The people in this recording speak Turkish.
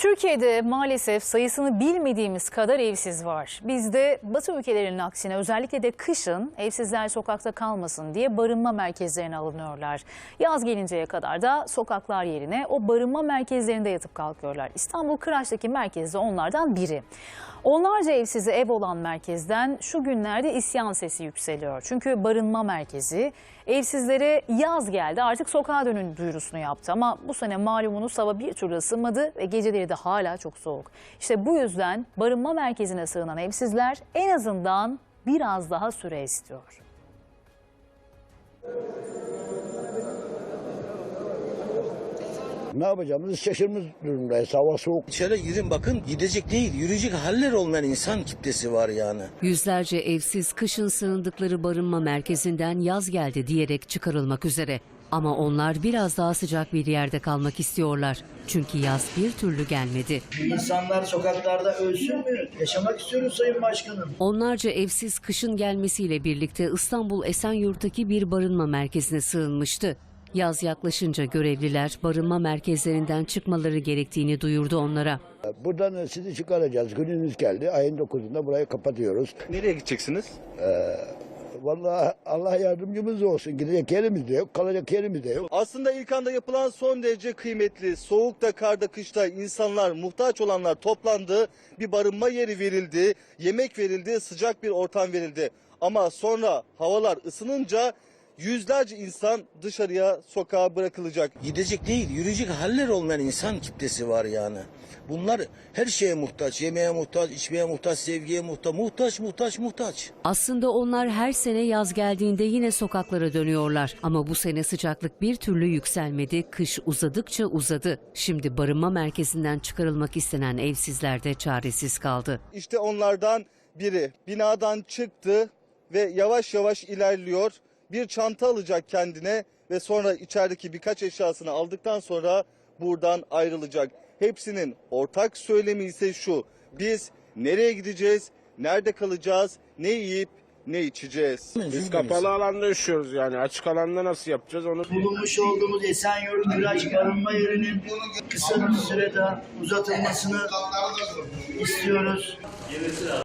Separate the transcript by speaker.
Speaker 1: Türkiye'de maalesef sayısını bilmediğimiz kadar evsiz var. Bizde Batı ülkelerinin aksine özellikle de kışın evsizler sokakta kalmasın diye barınma merkezlerine alınıyorlar. Yaz gelinceye kadar da sokaklar yerine o barınma merkezlerinde yatıp kalkıyorlar. İstanbul Kıraç'taki merkez de onlardan biri. Onlarca evsize ev olan merkezden şu günlerde isyan sesi yükseliyor. Çünkü barınma merkezi evsizlere yaz geldi artık sokağa dönün duyurusunu yaptı. Ama bu sene malumunuz hava bir türlü ısınmadı ve geceleri de hala çok soğuk. İşte bu yüzden barınma merkezine sığınan evsizler en azından biraz daha süre istiyor.
Speaker 2: Ne yapacağımızı şaşırmış durumdayız. Hava soğuk.
Speaker 3: İçeri girin bakın, gidecek değil, yürüyecek haller olmayan insan kitlesi var yani.
Speaker 4: Yüzlerce evsiz kışın sığındıkları barınma merkezinden yaz geldi diyerek çıkarılmak üzere. Ama onlar biraz daha sıcak bir yerde kalmak istiyorlar. Çünkü yaz bir türlü gelmedi.
Speaker 5: İnsanlar sokaklarda ölsün mü? Yaşamak istiyoruz Sayın Başkanım.
Speaker 4: Onlarca evsiz kışın gelmesiyle birlikte İstanbul Esenyurt'taki bir barınma merkezine sığınmıştı. Yaz yaklaşınca görevliler barınma merkezlerinden çıkmaları gerektiğini duyurdu onlara.
Speaker 2: Buradan sizi çıkaracağız. Gününüz geldi. Ayın 9'unda burayı kapatıyoruz.
Speaker 6: Nereye gideceksiniz?
Speaker 2: Vallahi Allah yardımcımız olsun. Gidecek yerimiz de yok, kalacak yerimiz de yok.
Speaker 6: Aslında ilk anda yapılan son derece kıymetli, soğukta, karda, kışta insanlar, muhtaç olanlar toplandı. Bir barınma yeri verildi, yemek verildi, sıcak bir ortam verildi. Ama sonra havalar ısınınca yüzlerce insan dışarıya, sokağa bırakılacak.
Speaker 3: Gidecek değil, yürüyecek haller olmayan insan kitlesi var yani. Bunlar her şeye muhtaç, yemeğe muhtaç, içmeye muhtaç, sevgiye muhtaç.
Speaker 4: Aslında onlar her sene yaz geldiğinde yine sokaklara dönüyorlar. Ama bu sene sıcaklık bir türlü yükselmedi, kış uzadıkça uzadı. Şimdi barınma merkezinden çıkarılmak istenen evsizler de çaresiz kaldı.
Speaker 6: İşte onlardan biri binadan çıktı ve yavaş yavaş ilerliyor. Bir çanta alacak kendine ve sonra içerideki birkaç eşyasını aldıktan sonra buradan ayrılacak. Hepsinin ortak söylemi ise şu: biz nereye gideceğiz, nerede kalacağız, ne yiyip ne içeceğiz?
Speaker 7: Biz kapalı alanda yaşıyoruz yani. Açık alanda nasıl yapacağız onu?
Speaker 5: Bulunmuş olduğumuz Esenyurt Kıraç barınma yerinin kısa bir sürede uzatılmasını istiyoruz.